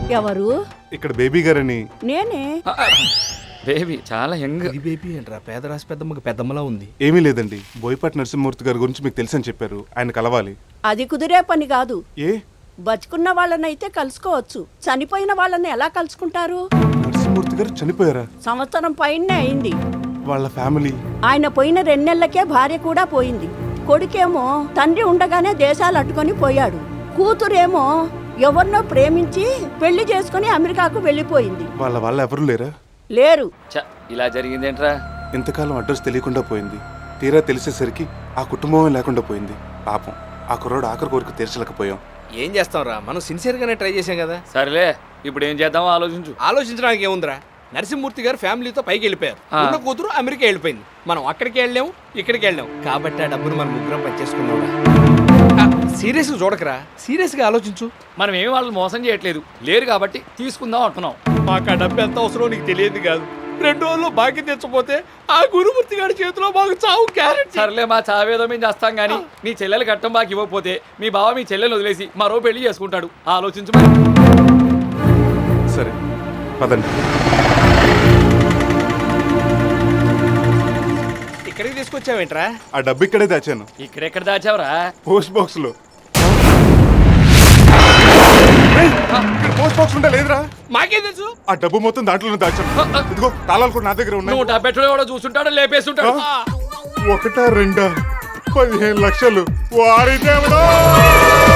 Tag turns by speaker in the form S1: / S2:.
S1: ఎవరు?
S2: ఇక్కడ బేబీ గారని.
S1: నేనే.
S3: బేబీ చాలా యంగ్.
S4: ఈ బేబీ ఏంట్రా పేదరాశి పెద్దమ్మకి పెద్దమ్మలా ఉంది.
S2: ఏమీ లేదండి, బోయపాటి నరసింహమూర్తి గారి గురించి మీకు తెలుసని చెప్పారు. ఆయన కలవాలి.
S1: అది కుదిరే పని కాదు.
S2: ఏ?
S1: బతుకున్న వాళ్ళనైతే కలుసుకోవచ్చు, చనిపోయిన వాళ్ళని ఎలా కలుసుకుంటారు?
S2: నరసింహమూర్తి గారు చనిపోయారా?
S1: సంవత్సరం పైనే అయింది.
S2: వాళ్ళ ఫ్యామిలీ?
S1: ఆయన పోయిన 2 నెలలకే భార్య కూడా పోయింది. కొడుకేమో తండ్రి ఉండగానే దేశాలు అట్టుకొని పోయాడు. కూతురేమో ఎవరినో ప్రేమించి పెళ్లి చేసుకుని అమెరికాకు వెళ్ళిపోయింది.
S2: వాళ్ళ ఎవరు లేరా?
S1: లేరు.
S3: ఇలా జరిగిందేంట్రా?
S2: ఇంతకాలం అడ్రస్ తెలియకుండా పోయింది. తీరా తెలిసేసరికి ఆ కుటుంబమే లేకుండా పోయింది. పాపం ఆ కుర్రాడు ఆఖరి కోరిక తీర్చలేకపోయాం.
S4: ఏం చేస్తాంరా, మనం సిన్సియర్ గానే ట్రై చేసాం కదా.
S3: సరేలే, ఇప్పుడు ఏం చేద్దామో ఆలోచించు.
S4: ఆలోచించడానికి ఏముందిరా, నరసింహమూర్తి గారు ఫ్యామిలీతో పైకి వెళ్ళిపోయారు. ఉన్న కూతురు అమెరికా వెళ్ళిపోయింది. మనం అక్కడికి వెళ్ళాము, ఇక్కడికి వెళ్ళాం. కాబట్టి ఆ డబ్బును మనం ముగ్గురం పనిచేసుకున్నాం. సీరియస్ చూడకరా, సీరియస్ గా ఆలోచించు.
S3: మనం ఏమి వాళ్ళని మోసం చేయట్లేదు, లేరు కాబట్టి తీసుకుందాం అంటున్నాం.
S4: మాకు ఆ డబ్బు ఎంత అవసరం నీకు తెలియదు కాదు. 2 రోజుల్లో బాకీ తెచ్చపోతే ఆ గురుమూర్తి గారి చేతిలో మాకు చావు గ్యారెంటీ.
S3: సర్లే, మా చావేదో మేము చేస్తాం గానీ మీ చెల్లెలు కట్టం బాకి ఇవ్వకపోతే మీ బావ మీ చెల్లెలు వదిలేసి మరో పెళ్లి చేసుకుంటాడు. ఆలోచించు మరి.
S2: సరే పదండి.
S4: ఇక్కడికి తీసుకొచ్చావేంట్రా?
S2: ఆ డబ్బు ఇక్కడే దాచాను.
S3: ఇక్కడెక్కడ దాచావురా?
S2: పోస్ట్ బాక్స్ లో. పోస్ట్ బాక్స్ ఉంటే లేదురా?
S4: మాకేం తెలుసు?
S2: ఆ డబ్బు మొత్తం దాంట్లోనే దాచాను. ఇదిగో తాళాలు కూడా నా దగ్గర ఉన్నాయి.
S3: నువ్వు డబ్బెట్టడో కూడా చూస్తుంటాడు, లేపేస్తుంటాడు.
S2: 1, 2, 15 లక్షలు. వాడి దేవుడా!